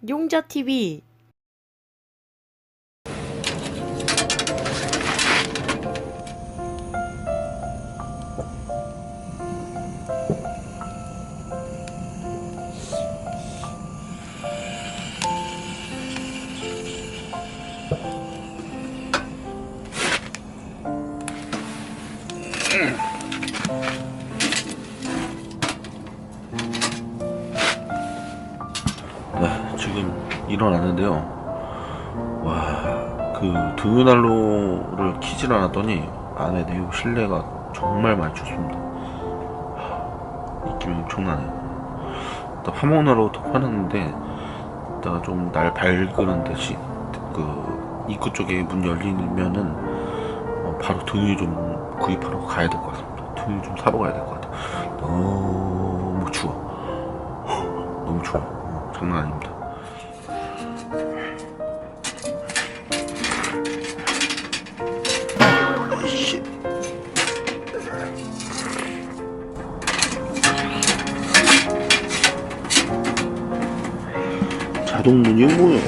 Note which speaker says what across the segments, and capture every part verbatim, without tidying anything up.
Speaker 1: 용자티비.
Speaker 2: 네, 지금 일어났는데요. 와, 그 등유난로를 켜질 않았더니 안에 내부 실내가 정말 많이 춥습니다. 하, 느낌이 엄청나네요. 일단 화목난로부터 켜놨는데 이따가 좀 날 밝으는 듯이 그 입구 쪽에 문 열리면은 어, 바로 등유 좀 구입하러 가야 될 것 같습니다. 등유 좀 사러 가야 될 것 같아요. 너무 추워. 너무 추워. 어, 장난 아닙니다. 자동문이 뭐예요?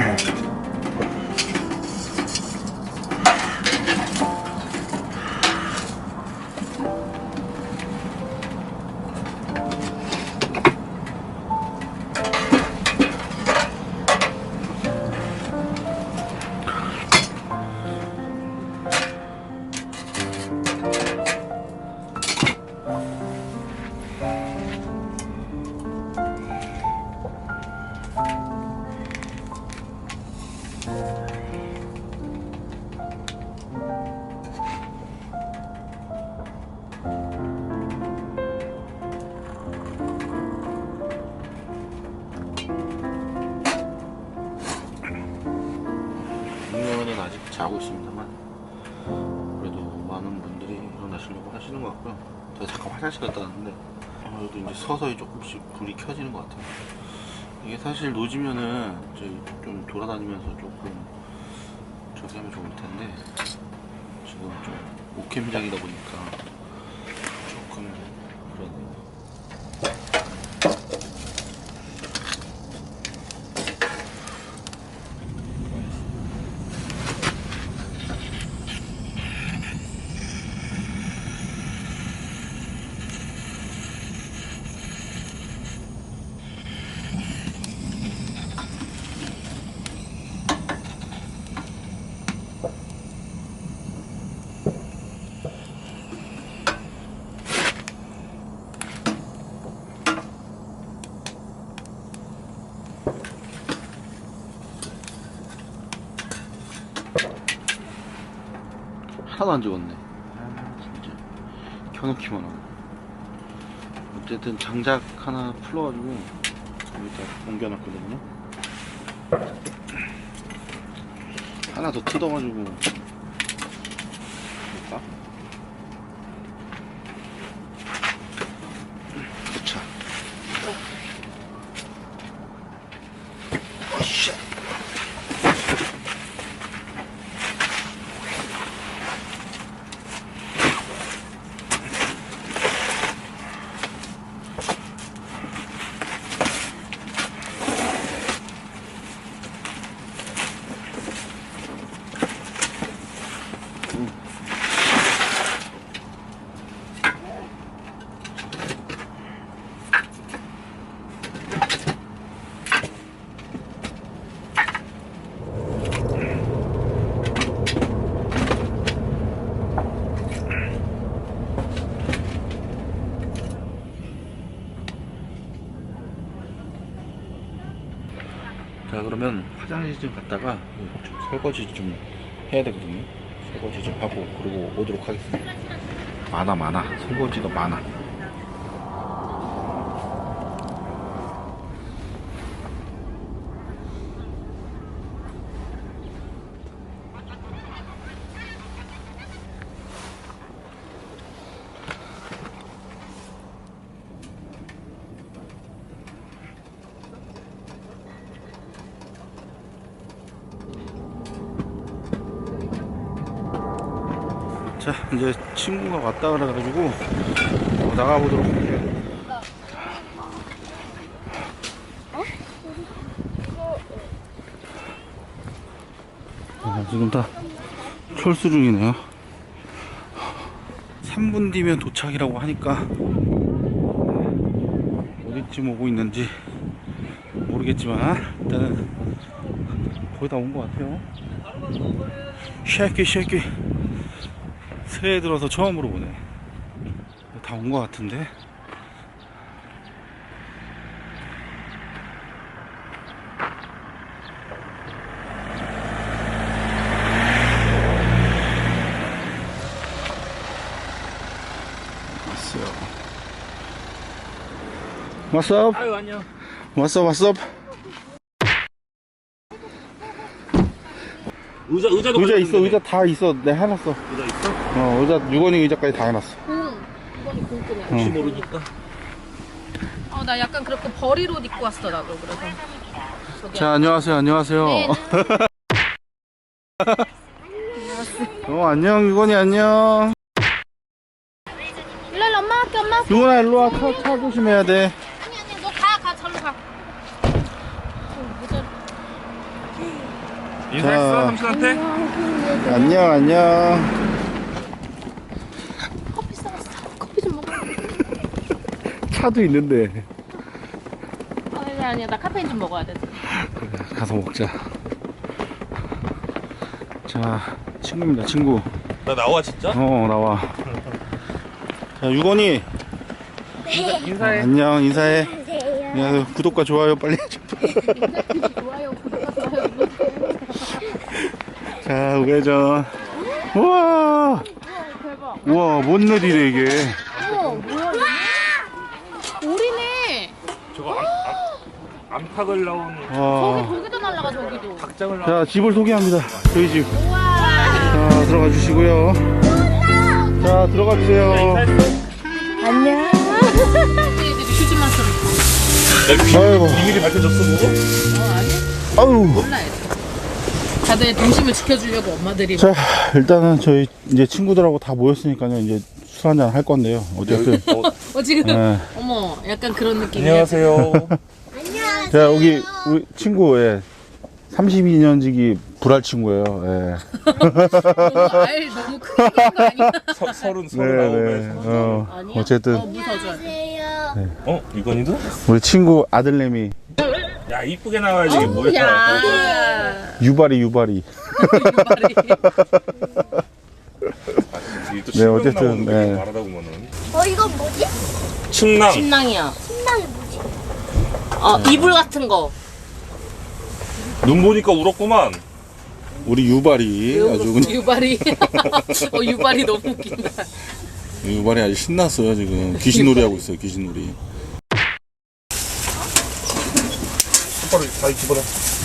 Speaker 2: 분명은 아직 자고 있습니다만 그래도 많은 분들이 일어나시려고 하시는 것 같고요. 제가 잠깐 화장실 갔다 왔는데 그래도 이제 서서히 조금씩 불이 켜지는 것 같아요. 이게 사실 노지면은 저희 좀 돌아다니면서 조금 저기 하면 좋을 텐데 지금 좀 오캠장이다 보니까 조금 그러네요. 하나도 안 죽었네. 아, 진짜 켜놓기만 하고. 어쨌든 장작 하나 풀어가지고 여기다 옮겨놨거든요. 하나 더 뜯어가지고 볼까? 그쵸. 어이씨. 자, 그러면 화장실 좀 갔다가 좀 설거지 좀 해야 되거든요. 설거지 좀 하고 그리고 오도록 하겠습니다. 많아 많아 설거지가 많아. 자, 이제 친구가 왔다 그래가지고 어, 나가보도록 할게요. 지금 다 철수 중이네요. 삼 분 뒤면 도착이라고 하니까 어디쯤 오고 있는지 모르겠지만 일단은 거의 다 온 것 같아요. 쉐키 쉐키 새해 들어서 처음으로 보네. 다 온 것 같은데. What's up?
Speaker 1: 아유 안녕.
Speaker 2: What's up? What's up?
Speaker 1: 의자 의자도
Speaker 2: 의자 있어.
Speaker 1: 가져왔는데.
Speaker 2: 의자 다 있어. 내가 해놨어.
Speaker 1: 의자 있어?
Speaker 2: 어, 의자 유건이 의자까지 다 해놨어.
Speaker 3: 응. 이번이 궁금해.
Speaker 1: 혹시
Speaker 2: 응.
Speaker 1: 모르니까.
Speaker 3: 어, 나 약간 그렇게 버릴 옷 입고 왔어, 나도. 그래서. 저기
Speaker 2: 자, 안녕하세요. 안녕하세요.
Speaker 3: 네.
Speaker 2: 어, 안녕 유건이 안녕.
Speaker 3: 일로 일로 엄마 할게, 엄마 할게.
Speaker 2: 유건아 일로 와. 차, 차 조심해야 돼.
Speaker 3: 아니, 아니, 너 가, 가, 절로 가.
Speaker 1: 인사했어 삼촌한테?
Speaker 2: 안녕 안녕.
Speaker 3: 커피 사왔어. 커피 좀 먹어.
Speaker 2: 차도 있는데.
Speaker 3: 아니, 아니야. 나 카페인 좀 먹어야 돼.
Speaker 2: 그래, 가서 먹자. 자, 친구입니다, 친구.
Speaker 1: 나 나와 진짜?
Speaker 2: 어, 나와. 자, 유건이.
Speaker 1: 인사, 인사해.
Speaker 2: 안녕, 인사해. 야, 구독과 좋아요 빨리 해줘.
Speaker 3: 좋아요, 구독과 좋아요.
Speaker 2: 자, 우회전. 우와.
Speaker 3: 대박.
Speaker 2: 우와, 뭔 일이래, 이게.
Speaker 3: 어머, 뭐야, 이거? 오리네.
Speaker 1: 저거 암, 암, 암탉을 나온
Speaker 3: 저기,
Speaker 2: 와.
Speaker 3: 저기도 날라가, 저기도.
Speaker 1: 닭장을 나온.
Speaker 2: 자, 집을 소개합니다. 저희 집.
Speaker 3: 우와.
Speaker 2: 자, 들어가 주시고요. 자, 들어가 주세요.
Speaker 1: 인사했어?
Speaker 3: 안녕. 애들이 휴지만 쓰고.
Speaker 2: 아이고.
Speaker 1: 비밀이 밝혀졌어 뭐?
Speaker 3: 어, 아니?
Speaker 2: 아우.
Speaker 3: 몰라, 애들. 다들 동심을 지켜주려고 엄마들이.
Speaker 2: 자, 일단은 저희 이제 친구들하고 다 모였으니까요. 이제 술 한잔 할 건데요. 어쨌든.
Speaker 1: 어,
Speaker 3: 어, 지금.
Speaker 2: 네.
Speaker 3: 어머, 약간 그런 느낌이야.
Speaker 1: 안녕하세요.
Speaker 2: 자, 여기 우리 친구, 예. 삼십이 년지기 불알 친구예요. 예.
Speaker 3: 너무 알 너무 크게 거 아니야?
Speaker 1: 서, 서른
Speaker 2: 네,
Speaker 1: 서른아홉에.
Speaker 2: 네. 어,
Speaker 3: 아니야?
Speaker 2: 어쨌든
Speaker 3: 어, 물 더 줘야 돼.
Speaker 1: 어 유건이도?
Speaker 2: 우리 친구 아들내미
Speaker 1: 야 이쁘게 나와야지 이게 뭐야?
Speaker 3: 야.
Speaker 2: 유발이 유발이.
Speaker 3: 유발이.
Speaker 1: 이게 또
Speaker 2: 네,
Speaker 1: 신명
Speaker 2: 어쨌든,
Speaker 1: 나오는 게
Speaker 2: 네.
Speaker 1: 말하다 보면은.
Speaker 4: 어 이건 뭐지?
Speaker 1: 침낭.
Speaker 3: 신랑이야.
Speaker 4: 신랑이 뭐지?
Speaker 3: 어, 이불 같은 거.
Speaker 1: 눈 보니까 울었구만.
Speaker 2: 우리 유발이 아주 그냥
Speaker 3: 유발이. 어, 유발이 너무 웃긴다.
Speaker 2: 유발이 아주 신났어요 지금. 귀신놀이 하고 있어요 귀신놀이.
Speaker 1: 손바닥 다 집어넣어.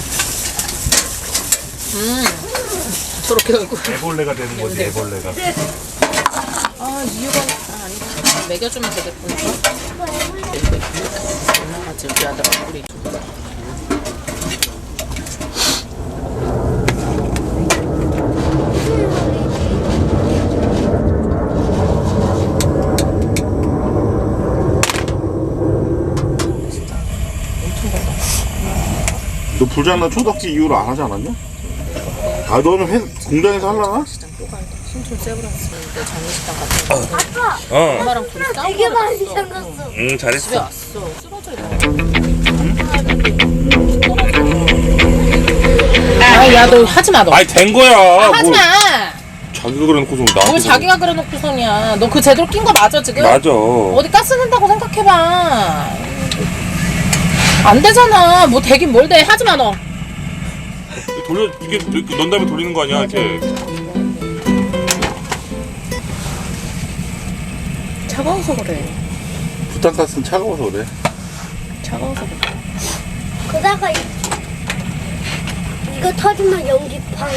Speaker 3: 음. 저렇게 얼굴.
Speaker 1: 애벌레가 되는 거지 애벌레가.
Speaker 3: 아, 이유가 아, 아니. 먹여주면 되겠구나. 올라가지 우리 아들 얼굴이.
Speaker 2: 너 불장난 초덕지 이후로 안 하지 않았냐? 아 너는 회, 공장에서 하려나?
Speaker 3: 신촌 세브란스인데 장례식장 같은 거.
Speaker 1: 어.
Speaker 3: 엄마랑 둘이 싸우고
Speaker 4: 되게 많이
Speaker 3: 왔어.
Speaker 4: 생겼어.
Speaker 1: 응
Speaker 3: 집에
Speaker 1: 잘했어.
Speaker 3: 왔어. 쓰러져 있다. 아, 야, 너 하지 마, 너.
Speaker 1: 아니 된 거야.
Speaker 3: 하지
Speaker 1: 뭘
Speaker 3: 마.
Speaker 1: 자기가 그래놓고서 나한테.
Speaker 3: 뭘 자기가 그래놓고선이야. 너 그 제대로 낀 거 맞아, 지금?
Speaker 1: 맞아.
Speaker 3: 어디 가스 낸다고 생각해봐. 안 되잖아. 뭐 되긴 뭘 돼. 하지 마, 너.
Speaker 1: 돌려 이게 이렇게 넣은 다음에 돌리는 거 아니야 이렇게.
Speaker 3: 차가워서 그래.
Speaker 2: 부탄가스는 차가워서 그래.
Speaker 3: 차가워서 그래.
Speaker 4: 그다가 이, 이거 터지면 연기 팡.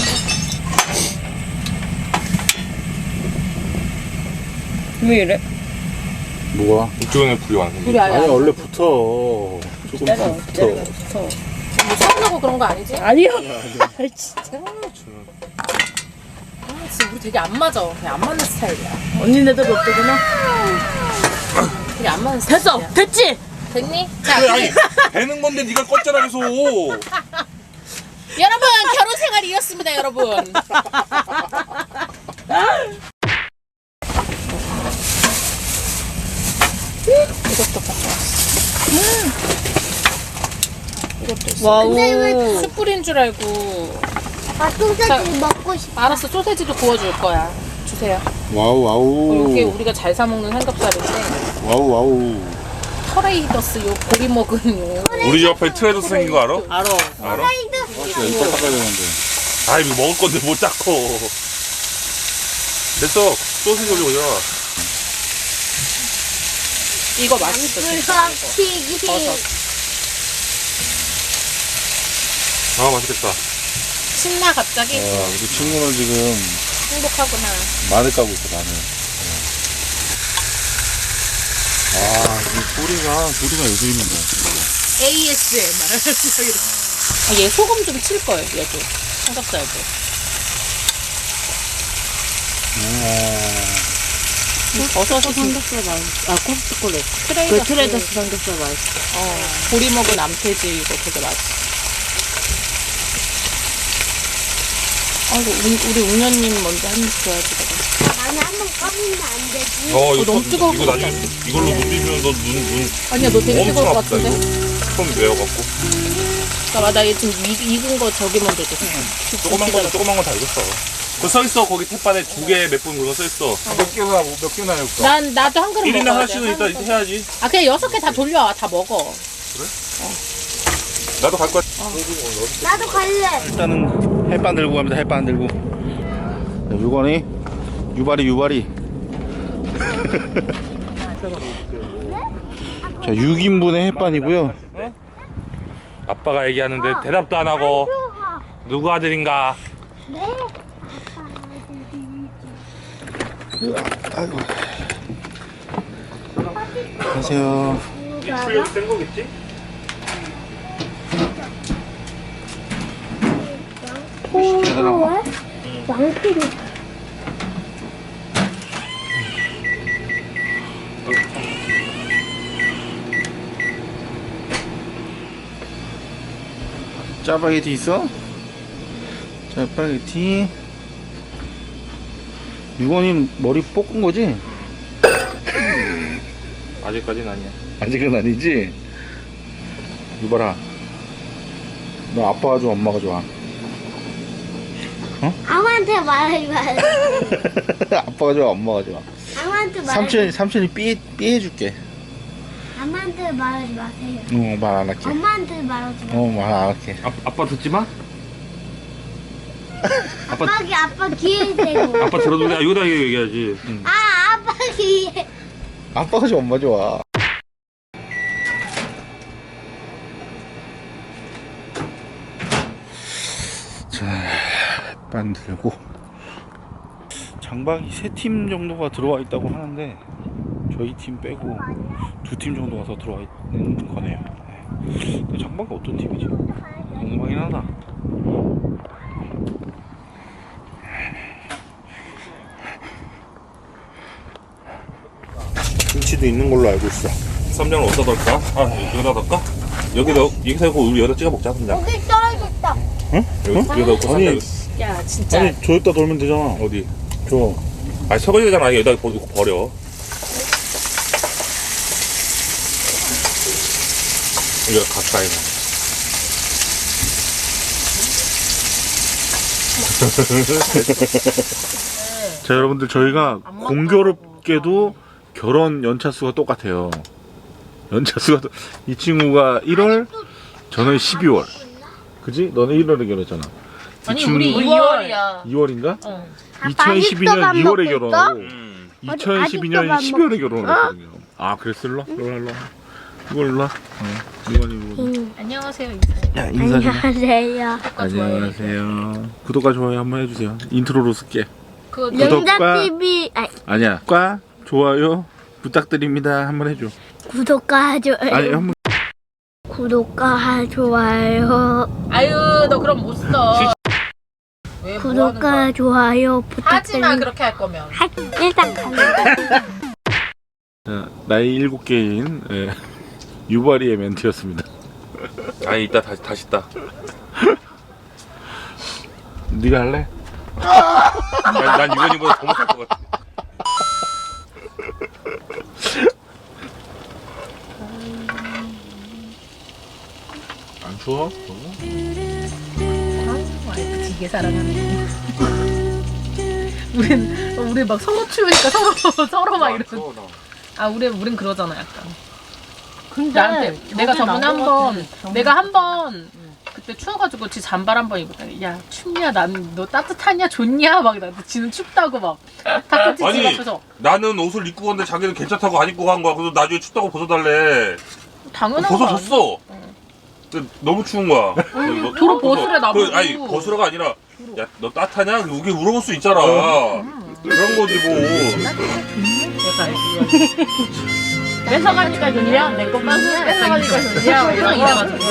Speaker 3: 왜 이래?
Speaker 2: 뭐가?
Speaker 1: 이쪽에 불이 왔는데.
Speaker 3: 우리 아야.
Speaker 2: 아니 원래 붙어. 조금
Speaker 3: 때려,
Speaker 2: 붙어.
Speaker 3: 때려, 붙어. 뭐 서운하고 그런 거 아니지?
Speaker 4: 아니요.
Speaker 3: 아, 진짜. 아, 진짜 우리 되게 안 맞아. 그냥 안 맞는 스타일이야. 언니네들 어떠구나? 되게 안 맞는 스타일이야. 됐어! 됐지? 됐니? 자,
Speaker 1: 그래, 아니 배는 건데 네가 껐잖아 계속.
Speaker 3: 여러분 결혼 생활이 이렇습니다, 여러분. 이것도 가져왔어. 음. 이것도 있어.
Speaker 5: 와우.
Speaker 4: 근데 왜
Speaker 3: 숯불인 줄 알고.
Speaker 4: 아, 소세지 먹고 싶어.
Speaker 3: 알았어, 소세지도 구워줄 거야. 주세요.
Speaker 2: 와우 와우.
Speaker 3: 이게 우리가 잘 사 먹는 삼겹살인데
Speaker 2: 와우 와우.
Speaker 3: 터레이더스 요 보리 먹은 요.
Speaker 1: 우리 집 앞에 트레이더스 생긴 거 알아?
Speaker 5: 알아.
Speaker 1: 알아?
Speaker 2: 진짜 이빨 닦아야 되는데.
Speaker 1: 아 이거 먹을 건데 못 잡고. 됐어. 소시지 올리고 야.
Speaker 3: 이거 맛있어. 진짜.
Speaker 4: 불박튀기.
Speaker 3: 버섯.
Speaker 1: 아 맛있겠다.
Speaker 3: 신나 갑자기.
Speaker 2: 아, 우리 친구는 지금
Speaker 3: 행복하구나.
Speaker 2: 마늘 까고 있어 마늘. 아, 이 뿌리가 뿌리가 예술입니다.
Speaker 3: 에이에스엠알. 아, 얘 소금 좀 칠 거예요, 얘도. 삼겹살도. 이 버섯이
Speaker 5: 삼겹살 맛있어. 아, 코스트코래.
Speaker 3: 트레이더스.
Speaker 5: 그 트레이더스 삼겹살 맛있어.
Speaker 3: 어, 보리 먹은 암돼지 이거 되게 맛있어. 아이고, 우리, 우리 웅녀님 먼저 한 입 줘야지, 내가.
Speaker 4: 나는 한번 까보면 안 되지.
Speaker 1: 어 이거
Speaker 3: 너무
Speaker 1: 또-
Speaker 3: 뜨거울
Speaker 1: 이거
Speaker 3: 것
Speaker 1: 나중에 이걸로 못 비비면 너 눈 눈
Speaker 3: 아니야, 너 되게 뜨거울
Speaker 1: 엄청
Speaker 3: 것
Speaker 1: 아프다
Speaker 3: 같은데?
Speaker 1: 이거. 손 매워갖고.
Speaker 3: 잠깐만, 나 얘 지금 익, 익은 거 저기 먼저 줘.
Speaker 1: 조그만 거 조그만 거 다 익었어. 그 써 있어 거기 햇반에 두 개 몇 분 그거 써 있어.
Speaker 2: 몇 개나 몇 개나 해볼까?
Speaker 3: 난, 나도 한 그릇
Speaker 1: 일 인당
Speaker 3: 먹어야
Speaker 1: 하나씩은
Speaker 3: 돼.
Speaker 1: 일단 해야지.
Speaker 3: 아, 그냥 여섯 개 다 돌려. 다 먹어.
Speaker 1: 나도 갈 거야.
Speaker 4: 나도 갈래.
Speaker 2: 일단은 햇반 들고 갑니다. 햇반 들고. 자, 유건이 유발이 유발이. 자, 육 인분의 햇반이고요.
Speaker 1: 아빠가 얘기하는데 대답도 안 하고 누구 아들인가?
Speaker 4: 네.
Speaker 2: 아이고. 안녕하세요.
Speaker 1: 출력 센 거겠지?
Speaker 4: 어? 왕피리.
Speaker 2: 짜파게티 있어? 짜파게티. 유건이 머리 볶은 거지?
Speaker 1: 아직까지는 아니야.
Speaker 2: 아직은 아니지? 유발아, 너 아빠가 좋아 엄마가 좋아?
Speaker 4: 아무한테 말하지 마세요.
Speaker 2: 아빠가 좋아 엄마가 좋아?
Speaker 4: 아무한테 말하지
Speaker 2: 삼촌이 삼촌이 삐 삐해줄게.
Speaker 4: 아무한테 말하지 마세요.
Speaker 2: 어, 말 안 할게.
Speaker 4: 엄마한테 말하지 마세요.
Speaker 2: 어, 말 안 할게.
Speaker 1: 아, 아빠 듣지 마? 아빠
Speaker 4: 아빠기 아빠 귀에 대고.
Speaker 1: 아빠 들어도 돼. 아, 이거다 이거 얘기하지.
Speaker 4: 아 아빠 귀에.
Speaker 2: 아빠가 좋아 엄마 좋아? 자, 반 들고 장박이 세 팀 정도가 들어와 있다고 하는데 저희 팀 빼고 두 팀 정도가 더 들어와 있는 거네요. 네. 근데 장박이 어떤 팀이지? 궁금하긴 하다. 김치도 있는 걸로 알고 있어.
Speaker 1: 쌈장을 어디다 넣을까? 아 여기다 넣을까? 여기 넣 여기서 하고 우리 여기다 찍어 먹자 쌈장.
Speaker 4: 여기 떨어졌다.
Speaker 1: 여기 여기다 넣고 쌈장.
Speaker 3: 야, 진짜.
Speaker 2: 저기다 돌면 되잖아.
Speaker 1: 어디?
Speaker 2: 저.
Speaker 1: 아니 설거지잖아. 여기다 버- 버려. 여기가 가까이 나.
Speaker 2: 자, 여러분들 저희가 공교롭게도 결혼 연차수가 똑같아요. 연차수가 똑- 이 친구가 일월, 저는 십이월. 그지? 너는 일월에 결혼했잖아. 이
Speaker 3: 아니,
Speaker 2: 친구
Speaker 3: 우리 이월이야.
Speaker 2: 이월인가?
Speaker 3: 어.
Speaker 2: 이천십이 년
Speaker 4: 아직도 밥
Speaker 2: 이월에
Speaker 4: 먹고
Speaker 2: 결혼하고
Speaker 1: 음.
Speaker 2: 이천십이 년
Speaker 4: 아직도 밥
Speaker 2: 십이월에 결혼했거든요. 아, 그랬어? 일로 와? 일로 와, 일로 와. 이거 일로 와. 어, 이건이 이거.
Speaker 3: 안녕하세요, 인사해.
Speaker 2: 야, 인사 좀.
Speaker 4: 안녕하세요.
Speaker 2: 안녕하세요. 구독과 좋아요 한번 해주세요. 인트로로 쓸게.
Speaker 3: 그,
Speaker 2: 구독과-
Speaker 4: 영자티비 아
Speaker 2: 아니야. 과 좋아요 부탁드립니다. 한번 해줘.
Speaker 4: 구독과 좋아요.
Speaker 2: 아니 한번.
Speaker 4: 구독과 좋아요.
Speaker 3: 아유, 너 그럼 못 써. 왜 뭐 하는 거야?
Speaker 4: 구독과 좋아요
Speaker 3: 하지 마,
Speaker 4: 부탁드립니다.
Speaker 3: 그렇게 할 거면.
Speaker 4: 하- 일단 갑니다.
Speaker 2: 자, 나이 일곱 개인 예, 유바리의 멘트였습니다.
Speaker 1: 아니 이따 다시 다시 따.
Speaker 2: 네가 할래?
Speaker 1: 난, 난 유건이보다 더 못할 것 같아.
Speaker 2: 안 추워?
Speaker 3: 와이프 되게 사랑하네. 우린 우리 막 서로 추우니까 서로 서로 막 이러고. 아 우리 우린 그러잖아 약간.
Speaker 5: 근데
Speaker 3: 나한테 내가
Speaker 5: 저게
Speaker 3: 저번에
Speaker 5: 나은 것
Speaker 3: 한번
Speaker 5: 같아.
Speaker 3: 내가 한번 그때 추워가지고 지 잠발 한번 입었더니 야 춥냐 난 너 따뜻하냐 좋냐 막 나한테 지는 춥다고 막 다크티
Speaker 1: 아니
Speaker 3: 집 앞에서
Speaker 1: 나는 옷을 입고 갔는데 자기는 괜찮다고 안 입고 간 거야. 그래서 나중에 춥다고 벗어달래.
Speaker 3: 당연한 거 아니야?
Speaker 1: 벗어줬어. 근데 너무 추운 거야. 뭐,
Speaker 3: 도로 벗으래, 나보고.
Speaker 1: 그, 아니 벗으라가 아니라 야 너 따뜻하냐? 이게 물어볼 수 있잖아. 그런 거지 뭐.
Speaker 3: 약간 뺏어가니까 좋냐? 내거 뺏어가니까 좋냐? 항상 이래가지고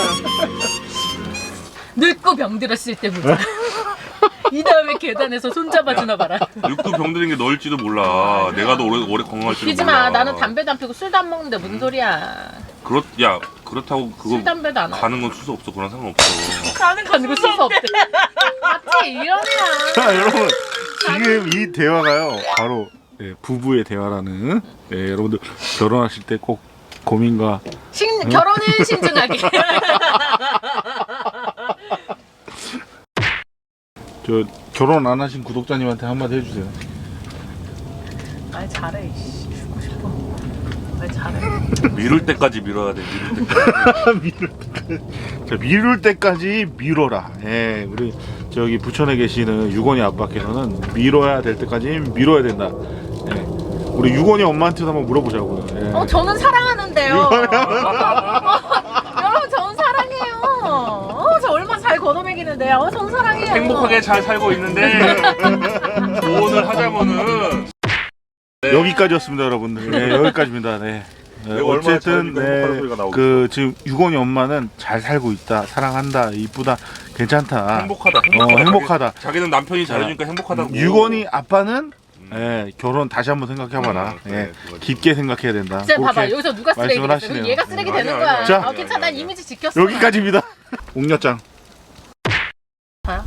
Speaker 3: 늙고 병들었을 때 보자. 이 다음에 계단에서 손잡아주나 봐라.
Speaker 1: 늙고 병드는 게 너일지도 몰라. 내가 더 오래 오래 건강할지도
Speaker 3: 피지
Speaker 1: 몰라.
Speaker 3: 마. 나는 담배도 안 피고 술도 안 먹는데 무슨 소리야?
Speaker 1: 그렇 야 그렇다고 그거
Speaker 3: 술 담배도 안 하고.
Speaker 1: 가는 건 수수 없어. 그런 상관없어.
Speaker 3: 가는 가지고 쓸수 없대. 맞지? 이런 애야.
Speaker 2: 자 여러분 지금 이 대화가요 바로 예, 부부의 대화라는 예, 여러분들 결혼하실 때 꼭 고민과
Speaker 3: 신, 결혼은 신중하게.
Speaker 2: 저 결혼 안 하신 구독자님한테 한마디 해주세요.
Speaker 3: 말 잘해. 이씨. 죽고 싶어. 말 잘해.
Speaker 1: 미룰 때까지 밀어야 돼. 미룰 때까지.
Speaker 2: 미룰 때까지. 자, 미룰 때까지 미뤄라. 예, 우리 저기 부천에 계시는 유건이 아빠께서는 미뤄야 될 때까지 밀어야 된다. 예, 우리 유건이 엄마한테도 한번 물어보자고요. 예.
Speaker 3: 어, 저는 사랑하는데요. 어, 여러분, 저는 사랑해요. 어, 저 얼마나 잘 걷어먹이는데요. 어, 저는 사랑해요.
Speaker 1: 행복하게 잘 살고 있는데 조언을 하자면은 네.
Speaker 2: 여기까지였습니다, 여러분들. 네, 여기까지입니다. 네. 네,
Speaker 1: 내가 얼마나
Speaker 2: 어쨌든
Speaker 1: 잘하니까 행복한 소리가
Speaker 2: 네,
Speaker 1: 나오겠어.
Speaker 2: 그 지금 유건이 엄마는 잘 살고 있다, 사랑한다, 이쁘다, 괜찮다.
Speaker 1: 행복하다.
Speaker 2: 어, 행복하다.
Speaker 1: 자기, 자기는 남편이 잘해주니까 행복하다고.
Speaker 2: 유건이 아빠는 예, 결혼 다시 한번 생각해봐라.
Speaker 1: 음,
Speaker 2: 예,
Speaker 1: 그래, 그거지.
Speaker 2: 깊게 생각해야 된다.
Speaker 3: 진짜 봐봐.
Speaker 2: 그렇게
Speaker 3: 여기서 누가 쓰레기
Speaker 2: 말씀을
Speaker 3: 됐어.
Speaker 2: 하시네요.
Speaker 3: 그럼 얘가 쓰레기
Speaker 1: 음,
Speaker 3: 되는
Speaker 1: 아니야,
Speaker 3: 거야.
Speaker 1: 아니야.
Speaker 2: 자,
Speaker 3: 어, 괜찮아. 난 이미지 지켰어.
Speaker 2: 여기까지입니다. 옥녀짱.
Speaker 3: 봐요?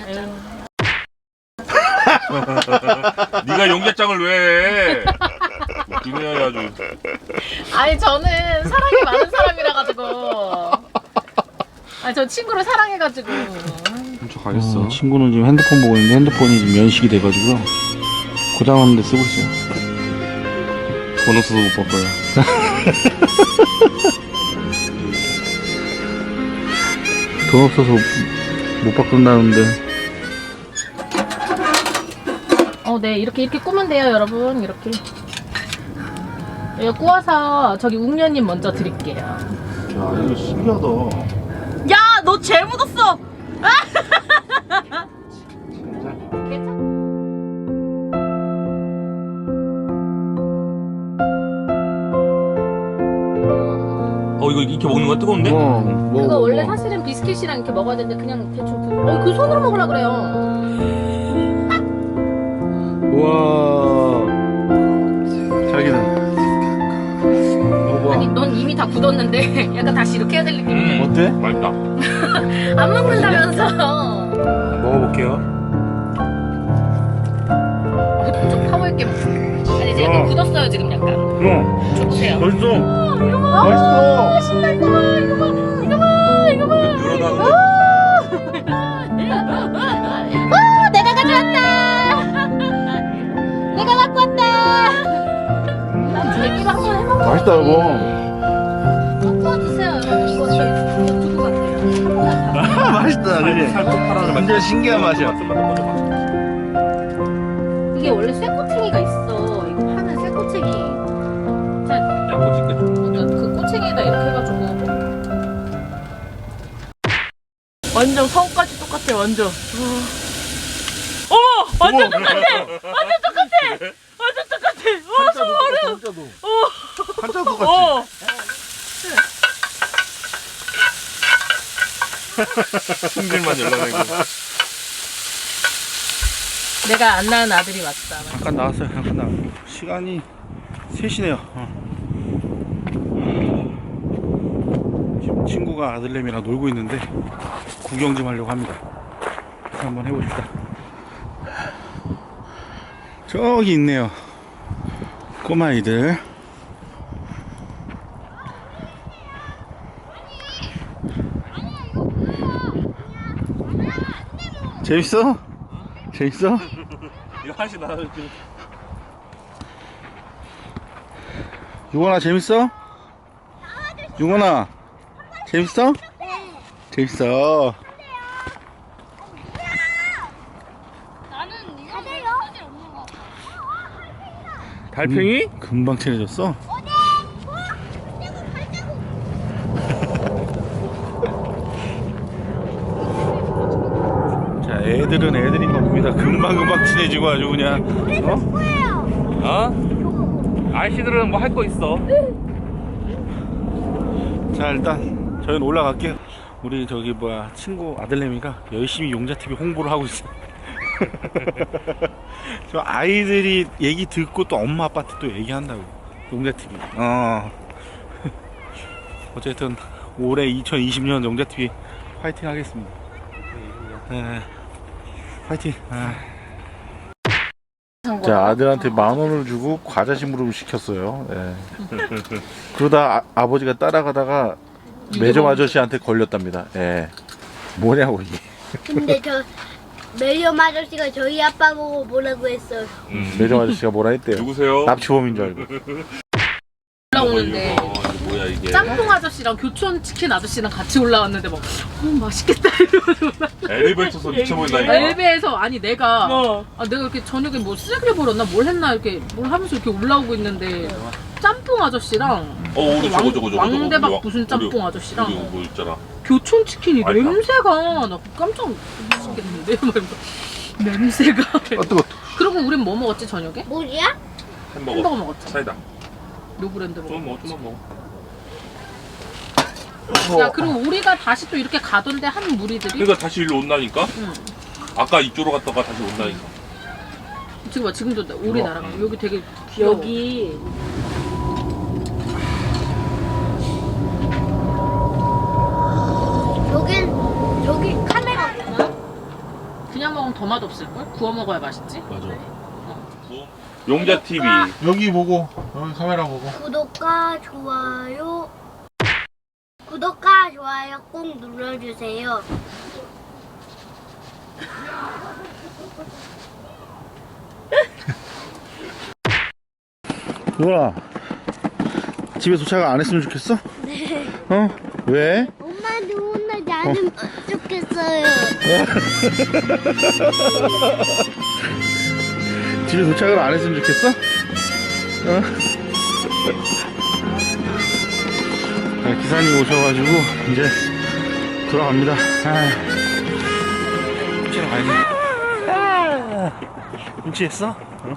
Speaker 1: 네가 용계장을 왜 해? 웃기네 아주.
Speaker 3: 아니, 저는 사랑이 많은 사람이라 가지고. 아니, 저 친구를 사랑해가지고.
Speaker 2: 저 가겠어. 어, 친구는 지금 핸드폰 보고 있는데 핸드폰이 지금 연식이 돼가지고요. 고장났는데 쓰고 있어요. 돈 없어서 못 바꿔요. 돈 없어서 못 바꾼다는데.
Speaker 3: 어, 네. 이렇게, 이렇게 꾸면 돼요, 여러분. 이렇게. 이거 구워서 저기 웅녀님 먼저 드릴게요.
Speaker 2: 야, 이거 신기하다.
Speaker 3: 야, 너 죄 묻었어!
Speaker 1: 어 이거 이렇게 먹는 거 뜨거운데?
Speaker 2: 어, 뭐,
Speaker 3: 그거 원래 사실은 비스킷이랑 이렇게 먹어야 되는데 그냥 대충 그, 어, 그 손으로 먹으려 그래요.
Speaker 2: 우와. 자기는. 어,
Speaker 3: 아니, 넌 이미 다 굳었는데 약간 다시 이렇게 해야 될 느낌이야.
Speaker 1: 음,
Speaker 2: 어때?
Speaker 1: 맛있다.
Speaker 3: 안 먹는다면서.
Speaker 2: 먹어볼게요.
Speaker 3: 좀 파워있게 먹어. 아니, 이제
Speaker 2: 어.
Speaker 3: 약간 굳었어요, 지금 약간.
Speaker 2: 어,
Speaker 3: 줘보세요.
Speaker 2: 맛있어.
Speaker 3: 아,
Speaker 2: 맛있어.
Speaker 3: 신나, 이거 봐, 이거 봐, 이거 봐, 이거 봐.
Speaker 1: 늘어나는데.
Speaker 3: 아, 내가 가져왔다. 내가 갖고 왔다. 난 제기로 한번 해먹어.
Speaker 2: 맛있다, 여보.
Speaker 3: 좀 구워주세요. 이거 저 이거 두고 갈게요.
Speaker 2: 맛있다, 그지?
Speaker 1: 살짝 파란을
Speaker 2: 완전 신기한 맛이야.
Speaker 3: 이게 원래 쇠꼬챙이가 있어. 이거 파는 쇠꼬챙이. 자,
Speaker 1: 양꼬치 끝.
Speaker 3: 그 꼬챙이에다 이렇게 해가지고. 완전 성까지 똑같아, 완전. 어머! 완전 똑같아! 완전 똑같아! 완전 똑같아! 와, 소름!
Speaker 2: 한자도.
Speaker 3: 어!
Speaker 2: 한자도 같이.
Speaker 3: 어!
Speaker 1: 승질만 열나내고.
Speaker 3: 내가 안 낳은 아들이 왔다.
Speaker 2: 잠깐 나왔어요. 잠깐 나. 시간이 세 시네요. 어. 지금 친구가 아들내미랑 놀고 있는데 구경 좀 하려고 합니다. 한번 해봅시다. 저기 있네요. 꼬마아이들. 재밌어? 재밌어?
Speaker 1: 이거 하나씩 나눠주지.
Speaker 2: 유건아 재밌어? 유건아 재밌어? 재밌어.
Speaker 1: 달팽이?
Speaker 2: 음, 금방 친해졌어? 자, 애들은 애들인 겁니다. 금방금방 친해지고 아주 그냥. 어?
Speaker 1: 어? 아이씨들은 뭐 할 거 있어.
Speaker 2: 자, 일단 저희는 올라갈게요. 우리 저기 뭐야 친구 아들내미가 열심히 용자티비 홍보를 하고 있어. 저 아이들이 얘기 듣고 또 엄마 아빠한테 또 얘기한다고. 용자티비. 어. 어쨌든 올해 이천이십 년 용자티비 파이팅 하겠습니다. 네. 파이팅. 아. 자, 아들한테 만 원을 주고 과자 심부름을 시켰어요. 네. 그러다 아, 아버지가 따라가다가 매점 아저씨한테 걸렸답니다. 예. 뭐냐고 이게.
Speaker 4: 근데 저 매점 아저씨가 저희 아빠 보고 뭐라고 했어요.
Speaker 1: 음.
Speaker 2: 매점 아저씨가 뭐라 했대요.
Speaker 1: 누구세요?
Speaker 2: 납치범인 줄 알고.
Speaker 3: 올라오는데
Speaker 1: 이거, 이거 뭐야 이게?
Speaker 3: 짬뽕 아저씨랑 교촌 치킨 아저씨랑 같이 올라왔는데 막 어, 맛있겠다 이러면서
Speaker 1: 엘리베이터에서 미쳐버린다니까.
Speaker 3: 엘베에서 아니 내가
Speaker 5: 어.
Speaker 3: 아, 내가 이렇게 저녁에 뭐 쓰레기를 버렸나 뭘 했나 이렇게 뭘 하면서 이렇게 올라오고 있는데 짬뽕 아저씨랑
Speaker 1: 어 우리 저거 저거 저거
Speaker 3: 왕대박
Speaker 1: 저거.
Speaker 3: 무슨 짬뽕 아저씨랑
Speaker 1: 우리 뭐 있잖아.
Speaker 3: 교촌 치킨이
Speaker 1: 아니,
Speaker 3: 냄새가 나 깜짝 놀랐겠는데 막 이러면서 냄새가
Speaker 2: 어, 뜨거.
Speaker 3: 그리고 우린 뭐 먹었지 저녁에?
Speaker 4: 뭐야?
Speaker 1: 햄버거.
Speaker 3: 햄버거 먹었지.
Speaker 1: 사이다.
Speaker 3: 노브랜드
Speaker 1: 좀
Speaker 3: 먹었지.
Speaker 1: 먹어, 좀만 먹어.
Speaker 3: 야 그리고 우리가 다시 또 이렇게 가던데 한 무리들이
Speaker 1: 그러니까 다시 일로 온다니까?
Speaker 3: 응.
Speaker 1: 아까 이쪽으로 갔다가 다시 온다니까.
Speaker 3: 지금 봐 지금도 나- 우리
Speaker 1: 우와.
Speaker 3: 나라가 여기 되게 귀여워.
Speaker 5: 여기
Speaker 4: 여긴 저기 카메라 있나?
Speaker 3: 그냥 먹으면 더 맛없을걸? 구워 먹어야 맛있지?
Speaker 2: 맞아.
Speaker 1: 용자 티비.
Speaker 2: 여기 보고, 여기 카메라 보고.
Speaker 4: 구독과 좋아요 구독과 좋아요 꼭 눌러주세요.
Speaker 2: 유건아, 집에 도착 안 했으면 좋겠어?
Speaker 4: 네.
Speaker 2: 어? 왜?
Speaker 4: 엄마도 혼나지 않으면 좋겠어요.
Speaker 2: 집에 도착을 안 했으면 좋겠어? 어? 자, 기사님 오셔가지고 이제 돌아갑니다. 아, 훔치러 가야지. 아, 훔치했어? 어?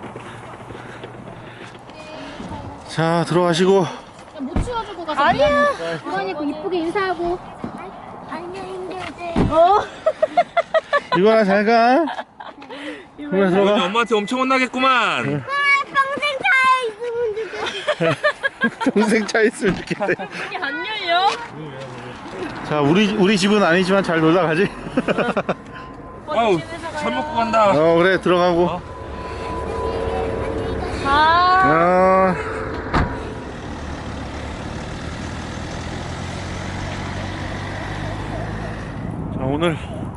Speaker 2: 자, 들어가시고.
Speaker 3: 못 치워주고 가서
Speaker 4: 아니야. 어머니 이쁘게 인사하고. 안녕히 계세요.
Speaker 2: 이거나 잘 가. 이거나
Speaker 1: 오늘
Speaker 2: 들어가.
Speaker 1: 엄마한테 엄청 혼나겠구만.
Speaker 4: 평생 다 있으면 좋겠어.
Speaker 2: 동생 차 있으면 좋겠다.
Speaker 3: 이게 안 열려?
Speaker 2: 자, 우리 우리 집은 아니지만 잘 놀다 가지.
Speaker 1: 아우 잘 먹고 간다.
Speaker 2: 어, 그래, 들어가고.
Speaker 1: 어?
Speaker 2: 어. 자, 오늘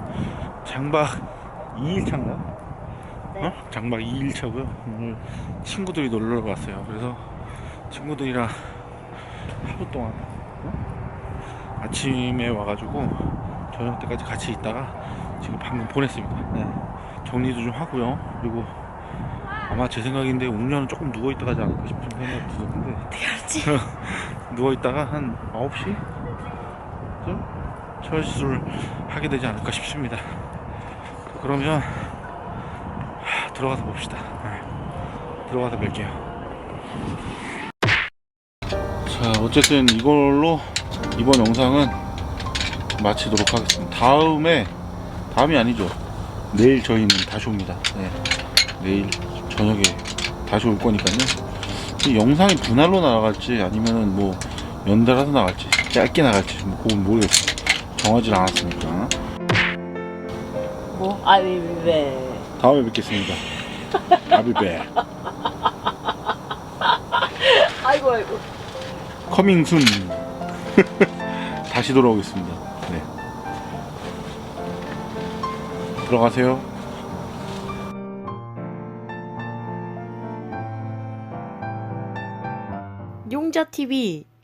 Speaker 2: 장박 이 일 차인가? 어? 장박 이 일 차고요. 오늘 친구들이 놀러 왔어요. 그래서 친구들이랑 하루 동안 어? 아침에 와가지고 저녁 때까지 같이 있다가 지금 방금 보냈습니다. 네. 정리도 좀 하고요. 그리고 아마 제 생각인데 웅녀는 조금 누워있다 가지 않을까 싶은 생각이 들었는데 누워있다가 한 아홉 시? 쯤? 철수를 하게 되지 않을까 싶습니다. 그러면 하, 들어가서 봅시다. 네. 들어가서 뵐게요. 자, 어쨌든 이걸로 이번 영상은 마치도록 하겠습니다. 다음에 다음이 아니죠. 내일 저희는 다시 옵니다. 네. 내일 저녁에 다시 올 거니까요. 이 영상이 분할로 나갈지 아니면은 뭐 연달아서 나갈지 짧게 나갈지 뭐 그건 모르겠어요. 정하지 않았으니까.
Speaker 5: 뭐? 아니 왜?
Speaker 2: 다음에 뵙겠습니다. 아비베.
Speaker 5: 아이고 아이고.
Speaker 2: 커밍순. 다시 돌아오겠습니다. 네. 들어가세요.
Speaker 5: 용자티비